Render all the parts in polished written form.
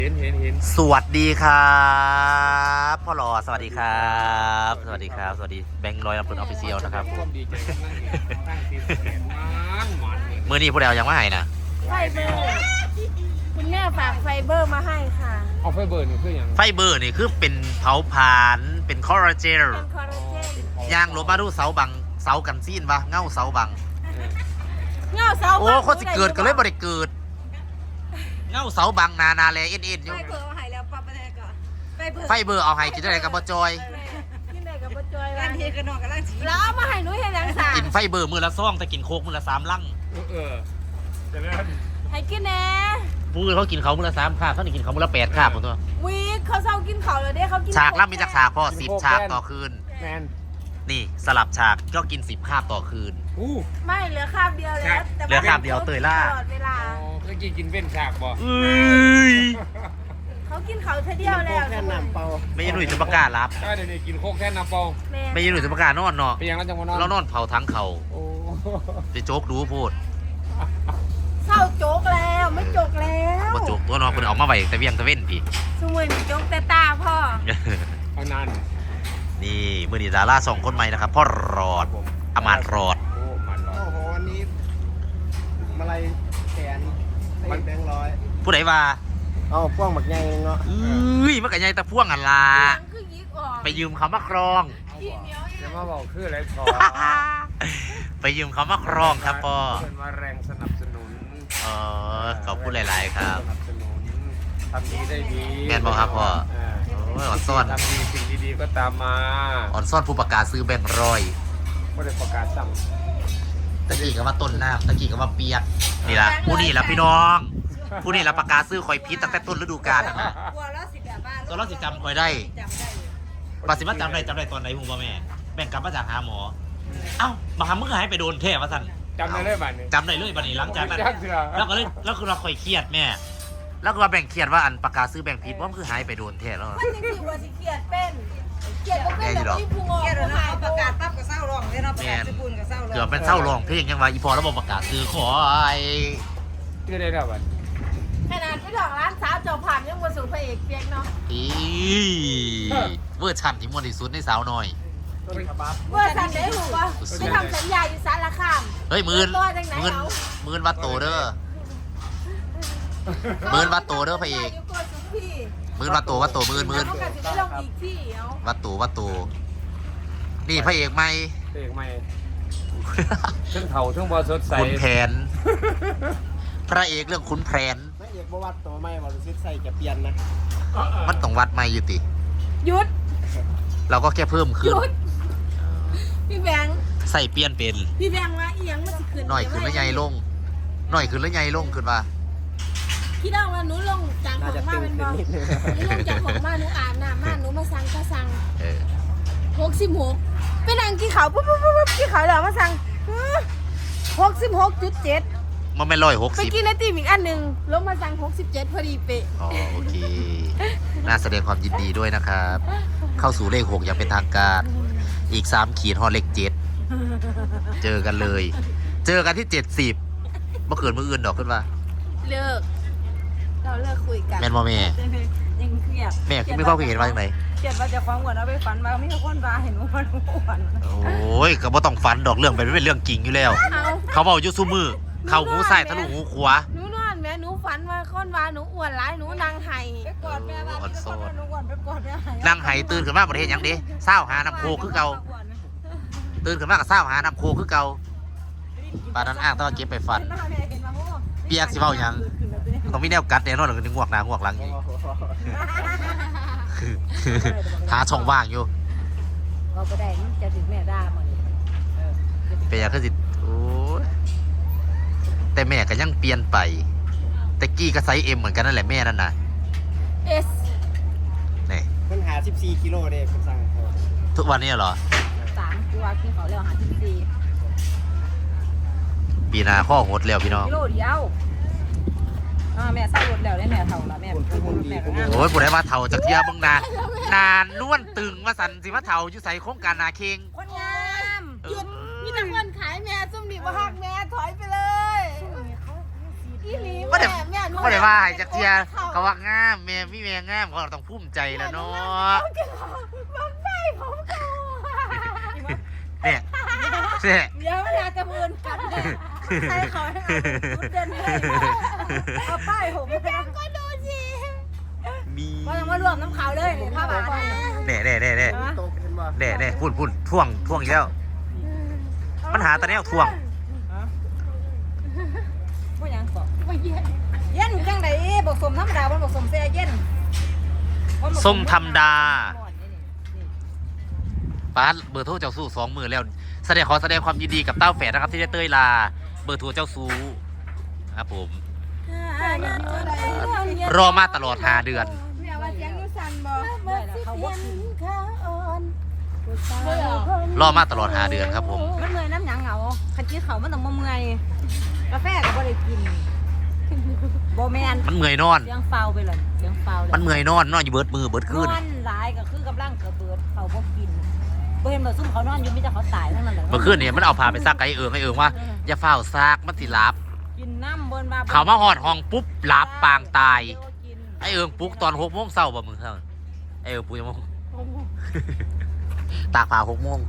เห็นสวัสดีครับพ่อหล่อสวัสดีครับสวัสดีครับสวัสดีแบงค์ร้อยลำพูนออฟฟิเชียลนะครับเมื่อนี้พวกเรายังไม่หายนะไฟเบอร์คุณแม่ฝากไฟเบอร์มาให้ค่ะเอาไฟเบอร์นี่คืออย่างไฟเบอร์นี่คือเป็นเผาผลาญเป็นคอลลาเจนย่างลบมาดูเสาบังเสากันซีนปะเงาเสาบังเงาเสาโอ้คนสิเกิดก็เลยบ่ได้เกิดเงาเสาบังนาแลเอ็นอยู่ไฟเบอร์เอาให้แล้วปั๊บไปเลยก่อนไฟเบอร์เอาให้กินได้กับบ่จอยกินได้กับบ่จอยร้านเฮกันนอกกับร้านแล้วเอามาให้หนูเฮ็ดหยังซะกินไฟเบอร์มื้อละ2แต่กินโคกมื้อละ3ลังจะเล่นให้กินแน่ผู้อื่นเขากินเขามื้อละ3คาบเขานี่กินเขามื้อละ8คาบพุ่นตัววีเขาเซากินข้าวแล้วเด้เขากินฉากละมีจักฉากพ่อ10ฉากต่อคืนแมนนี่สลับฉากก็กิน10คาบต่อคืนไม่เหลือคาบเดียวแล้วเหลือคาบเดียวเตยล่าตลอดเวลาเมื่อกี้กินเว้นฉากบ่เขากินเขาเท่าเดียวแล้วแค่น้ำเปล่าไม่ยันหนุ่ยจะประกาศรับเดี๋ยวนี้กินโคกแค่น้ำเปล่าไม่ยันหนุ่ยจะประกาศนอนเนาะเป็นอย่างนั้นจังหวะนอนเรานอนเผาทั้งเขาไปโจ๊กดูพูดเศร้าโจกแล้วไม่โจกแล้วมาโจ๊กตัวน้องคนออกมาใหม่แต่เวียงตะเว้นพี่สมุนโจกแต่ตาพ่อเอานานนี่มือนีดารา2คนใหม่นะครับพ่อรอดอมาตรอดโอ้โหวันนี้มาลัยแขนมันแบงค์100 ผู้ใดว่าเอาพ่วงหมักใหญ่เนาะมันกับใหญ่ตะพ่วงอันละไปยืมเขามาครองจะมาบอกคืออะไรขอไปยืมเขามาครองครับพ่อเป็นมาแรงสนับสนุนขอบคุณหลายๆครับสนับสนุนทำดีได้ดีแม่นบอกครับพ่ออ่อนซ่อนทำดีสิ่งดีๆก็ตามมาอ่อนซ่อนผู้ประกาศซื้อแบงค์ร้อยไม่ได้ประกาศสั่งตะกี้ก็ว่าต้นน้ำตะกี้ก็ว่าเปียกนี่ละผู้นี่ละพี่น้องผู้นี่ละประกาศซื้อคอยพิษตั้งแต่ต้นฤดูกาลนะตัวเราสิจำคอยได้ปัสสิมาจำได้ตอนไหนหูบ่แม่แบ่งกลับมาจากหาหมอเอ้ามาหามึงหายไปโดนเทพวะท่านจำได้เลยบัดนี้จำได้เลยบัดนี้หลังจากนั้นแล้วก็เลยแล้วคือเราคอยเครียดแม่แล้วก็มาแบ่งเครียดว่าอันประกาศซื้อแบ่งผิดว่ามันคือหายไปโดนเทพแล้วมันจริงๆว่าสิเครียดเป็นเครียดก็เป็นแต่ที่พุงออกเขาประกาศปั๊บก็เศร้าร้องเลยเนาะประกาศญี่ปุ่นก็เศร้าร้องเกือบเป็นเศร้าร้องเพลงยังว่าอีพอแล้วบอกประกาศซื้อขอไอ้คือได้แล้วบัดขนาดไปถึงร้านสาวจอผ่านยังมาสู่พระเอกเปียกเนาะเวอร์ชันที่มวนที่สุดในสาวน้อยเวอร์ชันได้หูป่ะไม่ทำสัญญาอยู่สารคามเฮ้ยมื่นวัดโตเด้อมื่นวัดโตเด้อพระเอกมื่นวัดโตมื่นวัดโตนี่พระเอกใหม่พระเอกใหม่เรื่องเถ่าเรื่องบอสดใสขุนแผนพระเอกเรื่องขุนแผนพระเอกบวัดตัวใหม่บอสดใสจะเปลี่ยนนะมันต้องวัดใหม่อยู่ติหยุดเราก็แค่เพิ่มขึ้นพี่แบงค์ใส่เปลี่ยนเป็นพี่แบงค์ว่าอีหยังมันจะขึ้นหน่อยขึ้นแล้วใหญ่ลงหน่อยขึ้นแล้วใหญ่ลงขึ้นว่าพี่น้องว่าหนูลงจากของมาเป็นบอลหนูลงจากของมาหนูอาบน้ำมาหนูมาสั่งก็สั่ง66เป็นนางกี่เขาปุ๊บกี่เขาแล้วมาสั่ง66.7 มันไม่160 ไปกินไอติมอีกอันหนึ่งลงมาสั่ง67พอดีเป๊ะโอเคน่าแสดงความยินดีด้วยนะครับเข้าสู่เลข6อย่างเป็นทางการอีก3ขีดฮอดเลข7เจอกันเลยเจอกันที่70เมื่อคืนมื้ออื่นดอกขึ้นว่าเราเลิกคุยกันแม่นบ่แม่ยังเครียดแม่คือไม่เข้าไปเห็นว่าจังไดเครียดว่าจะฟังก่อนเอาไปฝันมาไม่มีคนว่าเห็นว่าหนูฝันโอ้ยก็บ่ต้องฝันดอกเรื่องเป็นเรื่องจริงอยู่แล้วเขาเว้าอยู่ซุมื้อเข้าหูซ้ายทะลุหูขวาหนูนอนแม่หนูฝันว่าคนว่าหนูอ้วนหลายหนูนางไห้ไปกอดแม่ว่าหนูอ้วนไปกอดแม่ไห้นางไห้ตื่นขึ้นมาบ่ได้เฮ็ดหยังเด้เช้าหาน้ำโคคือเก่าตื่นขึ้นมาก็เช้าหาน้ำโคคือเก่าปานนั้นอ้างแต่ว่าเก็บไปฝันเปียกสิเว้าหยังต้องมีแนวกัดแน่นอนเลยงวกหน้างวกหลังอีกหาช่องว่างอยู่เราไปได้มันจะถึงแม่ด่าหมดเป็นอย่างคือสิโอ้แต่แม่ก็ยังเปลี่ยนไปแต่กี้ก็ไซส์ M เหมือนกันนั่นแหละแม่นั่นน่ะ S นี่มันหา14กิโลเด้ผมสั่งทุกวันนี้เหรอ 3ตัวกินเขาแล้วหา14 ปีหน้าข้อหดแล้วพี่น้องกิโลเดียวแม่ใส่รถแล้วได้แม่เท่าละแม่โอ้ยผู้ใดมาเท่าจากเที่ยมึงนานนวลตึงมาสันสิมาเท่าอยู่ใส่โครงการนาเค็งคนงามหยุดมีแต่คนขายแม่ซุ่มดิบหักแม่ถอยไปเลยเขาสีอีหลีไม่ได้แม่หนูไม่ได้ว่าให้จักเทียเขาว่างามแม่มีแม่งามเขาต้องภูมิใจแล้วเนาะมันได้ผมเขาเนี่ยเนี่ยเดี๋ยวเวลาจะมืนกันใครเขาให้เอาเดินเลยเอาป้ายผมแบงก็ดูสิมีก็ยังว่ารวมน้ำขาวเลยนี่ผ้าบาทเนี่ยโตเห็นบ่เนี่ยพูดท่วงอีกแล้วปัญหาตอนนี้ท่วงว่ายังก่อนว่าเย็นจังไดบอกสมธรรมดาบอกสมเสียเย็นส้มธรรมดาป้าเบอร์โทรเจ้าสู้2 มือแล้วขอแสดงความยินดีกับเต้าแฝดนะครับที่ได้เต้ยลาเบอร์โทรเจ้าสู้ครับผมรอมาตลอด5 เดือนแม่ว่าเสียงนูสั่นบ่ได้แล้วเขาบอกขาอ่อนรอมาตลอด5 เดือนครับผมมันเมื่อยน้ำหยังเหงาคันกี้เขามันต้องมาเมื่อยกาแฟก็บ่ได้กินโบแมนมันเมื่อยนอนเสียงเฝ้าไปเลยเสียงเฝ้าเลยมันเมื่อยนอนอยู่เบิดมือเบิดนคืนอนหลายก็คือกำลังเกิดเบิดเขาบ่กินบ่เห็นบ่ซุ่มเขานอนอยู่มีแต่เขาตายทั้งนั้นแหละเมื่อคืนเนี่ยมันเอาพาไปซักไอ้เอิงว่าอย่าเฝ้าซากมันสิหลับกินน้ำเบิ่นมาเขามาหอดห้องปุ๊บหลับปางตายไอ้เอิงปลุกตอน6 โมงเช้าบ่มึงเท่าไอ้เอิงปลุกยังโมงตากผ้า6 โมง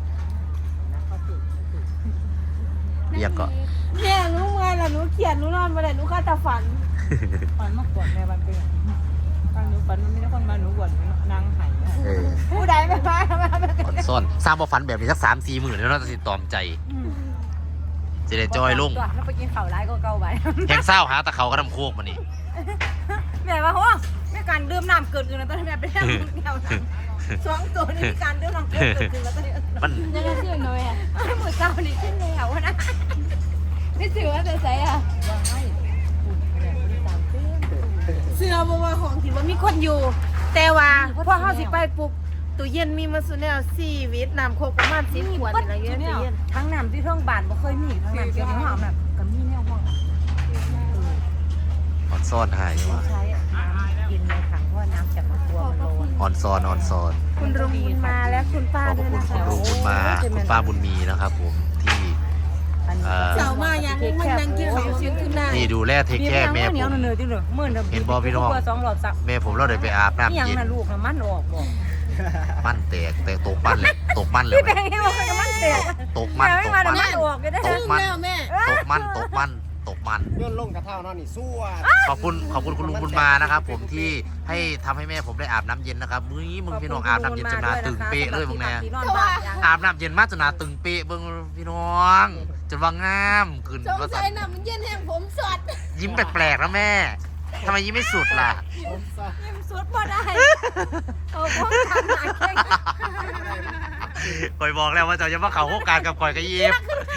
เรียกก็เนี่ยหนูเมื่อยแล้วหนูเขียนหนูนอนบ่ได้หนูก็แต่ฝันฝันมากกว่าแม่วันเป็นฝันหนูฝันมันมีแต่คนมาหนูบ่นนางไห้ ผู้ใดไม่มาอ่อนซ่อนสร้างบ่ฝันแบบนี้สัก3-4 มื้อแล้วเราจะสิตอมใจจะได้จอยลงแล้วไปกินข้าวร้ายก็เก่าไปแหงเศร้าหาตะเขาก็ทำโคกมานี่แม่ว่าโหแม่การดื่มน้ำเกินแล้วตอนนี้แม่ไปแล้วเดียวนะ2 ตัวนี่มีการดื่มน้ำเกินแล้วตอนนี้มันยังไงเชื่อหน่อยอ่ะมือเก่านี่ขึ้นแล้วนะไม่ถือว่าจะใส่อ่ะเสื้อบ่ว่าของที่ว่ามีคนอยู่แต่ว่าพอเฮาสิไปปุ๊บตู้เย็นมีมาสุแนว4 วิตน้ำโคกประมาณ10 ขวดอะไรเงี้ยตู้เย็นทั้งน้ำที่เทิงบ้านบ่เคยมีทั้งน้ำที่เทิงห้องแบบก็มีแนวห้องอ่อนซ่อนหายว่ะใช้น้ำกินในถังเพราะน้ำจากตัวมันร้อนอ่อนซ่อนคุณลุงบุญมาและคุณป้าขอบด้วยคุณนะคุคะณลุงบุญมาคุณป้าบุญมีนะครับผมที่เสามายังมันนั่งกินข้าวเสียงขึ้นได้ที่ดูแลเทคแคร์แม่ผม เห็นบ่พี่น้อง 2 รอบสักแม่ผมเราได้ไปอาบน้ำยังเย็นน่ะลูกน่ะมันออกบ่มันแตกแต่ตกมันเลยตกมันเลยพี่แบงค์ให้บอกว่ามันแตกตกมันแม่ไม่ตกมามันมันออกก็ได้ตกมันแม่ตกมันย้อนลงกระเท่านั่นนี่สู้อ่ะขอบคุณคุณลุงบุญมานะครับผมที่ให้ทำให้แม่ผมได้อาบน้ำเย็นนะครับมึงพี่น้องอาบน้ำเย็นจนหนาตึงเป๊ะเลยมึงแน่อาบน้ำเย็นมากจนหนาตึงเป๊ะเบิ่งพี่น้องจนว่างามขึ้นสงว่าสัยน้ำมันเย็นแห้งผมสดยิ้มแปลกๆนะแม่ทำไมยิ้มไม่สุดล่ะยิ้มสุดบ่ได้เอาพวกทำหนักแข่งก่อยบอกแล้วว่าจะมาเข้าโครงการกับก่อยกับเย็บ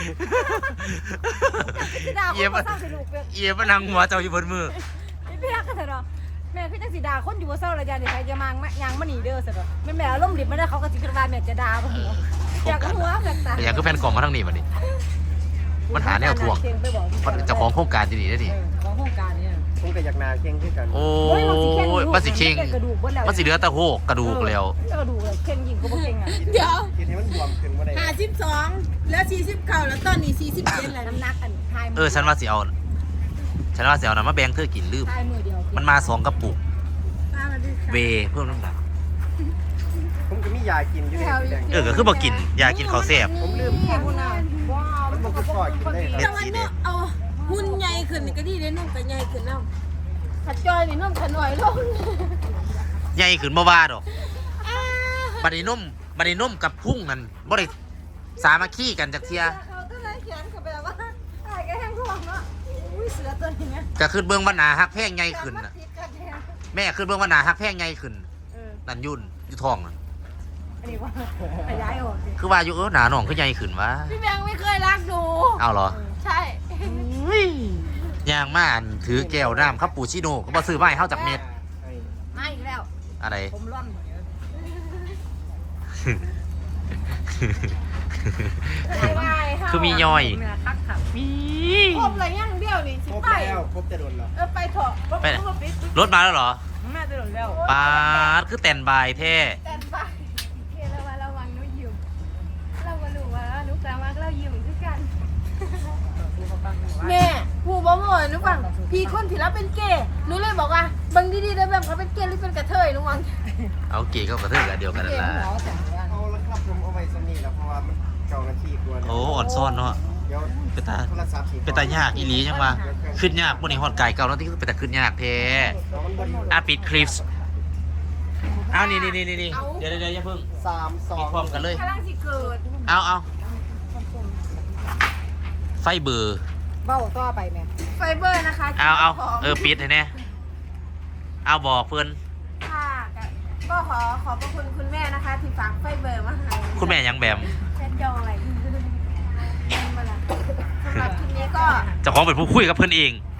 ดาคนเศร้าสิลูกเปียกเย็บมันนั่งหัวเจ้าอยู่บนมือพี่พี่รักกันเถอะเนาะแม่คือจังสิดาคนอยู่ว่าเศร้าระยะนี่ใครจะมายางมาหนีเด้อเสร็จแม่แม่ล้มดิบไม่ได้เขาก็สิขึ้นมาแม่จะด่าบ่หัวอยากหัวแบบตาแต่อย่างคือแผ่นกล่องมาทั้งนี้มาดิมันหาแนวทวงมันเจ้าของโครงการที่นี่ได้ดิของโครงการเนี่ยผมก็อยากนาเข่งขึ้นกันโอ้ยมันสิเข่งกระดูกบ่แล้วมันสิเหลือแต่โหกกระดูกแล้วกระดูกเลยเข่งยิงก็บ่เข่งอ่ะเดี๋ยวคิดให้มันบวมขึ้นมาได้ 52แล้ว40เข่าแล้วตอนนี้47แล้วน้ำหนักอันทายฉันว่าสิเอานะมาแบ่งเธอกินลืมทายมือเดียวมันมา2 กระปุกเวเพิ่มน้ำหนักผมก็มียากินอยู่เนี่ยก็คือบ่กินยากินข้าวแซ่บผมลืมแค่พุ่นน่ะว้าวมันก็ปล่อยกินได้เม็แต่ดว่าสีแดเนาะงเอาหุ่นใหญ่ขึ้นนี่ก็ดีได้นุ่มก็ใหญ่ขึ้นแล้วขัดจอยนี่นุ่มขน่อยลงใหญ่ขึ้นบ่ว่าดอกบัดนี้นุ่มกับพุ่งนั่นบ่ได้สามัคคีกันจักเที่ยเขาก็เลยเขียนเขาไปว่าทายก็แห้งท่วงเนาะอุ้ยเสือตัวนี้เนี่ยก็ขึ้นเบิ่งว่าหน้าฮักแพงใหญ่ขึ้นน่ะแม่ขึ้นเบิ่งว่าหน้าฮักแพงใหญ่ขึ้นนั่นยุ่นอยู่ท้องน่ะอันนี้ว่าขยายออกคือว่าอยู่หน้าน้องคือใหญ่ขึ้นวะพี่แบงค์ไม่เคยรักหนูเอาเหรอใช่ย่างมาอันถือแก้วน้ำคาปูชิโน่ก็บ่ซื้อมาให้เฮาจากเม็ดมาอีกแล้วอะไรผมร่อนคือมีย่อยทักขับมีครบเลยยังเดียวนี่สิครบไปแล้วครบจะโดนแล้วไปเถอะไปไหนรถมาแล้วเหรอแม่จะหล่นแล้วปาดคือแต่นบายแท้แต่ไปเคระวังระวังนุ้ยยืมเราก็รู้ว่านุ้กลางว่าเรายืมคือกันแม่หูบ่หมดหนูฟังพี่คนที่รับเป็นเกย์หนูเลยบอกว่าบางดีๆได้แบบเขาเป็นเกย์หรือเป็นกระเทยหนูวังเอาเก๋เข้ากระเทือกอันเดียวกันนั่นล่ะเอาแล้วครับผมเอาไว้สนี่แล้วเพราะว่ามันเก่านาทีกว่าโอ้อ่อนซ่อนเนาะเดี๋ยวเป็นตาโทรศัพท์สิเป็นตายากอีหลียังวะขึ้นยากพวกนี้ฮอดไก่เก่าแล้วที่เป็นแต่ขึ้นยากแท้มันบริปิดคลิปอ้าวนี่เดี๋ยวอย่าเพิ่ง 3 ปิดพร้อม 2 กันเลยกำลังสิเกิดเอาไฟเบอร์เบ้าต่อไปแม่ไฟเบอร์นะคะเอาปิดให้แน่เอาบอกเพื่อนค่ะก็ขอบพระคุณคุณแม่นะคะ ที่ฝากไฟเบอร์มาให้คุณแม่ยังแบมแค่จอยมาละสำหรับคลิปนี้ก็เจ้าของเป็นผู้คุยกับเพื่อนเอง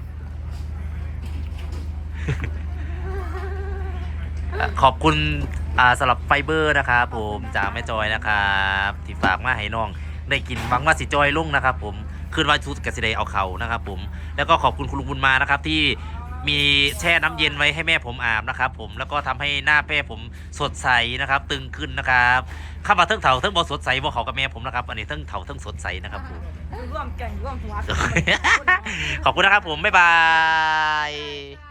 ขอบคุณสำหรับไฟเบอร์นะครับผมจากแม่จอยนะครับที่ฝากมาให้น้องได้กินหวังว่าสิจอยลุ่งนะครับผมคืนวันชุดกสิเดเอาเขานะครับผมแล้วก็ขอบคุณคุณลุงบุญมานะครับที่มีแช่น้ำเย็นไว้ให้แม่ผมอาบนะครับผมแล้วก็ทำให้หน้าแม่ผมสดใสนะครับตึงขึ้นนะครับข้ามาเทิงเถาเทิงบอสดใสบอเขากับแม่ผมนะครับอันนี้เทิงเถาเทิงสดใสนะครับผมร่วมกันร่วมหัวขอบคุณนะครับผมบ๊ายบาย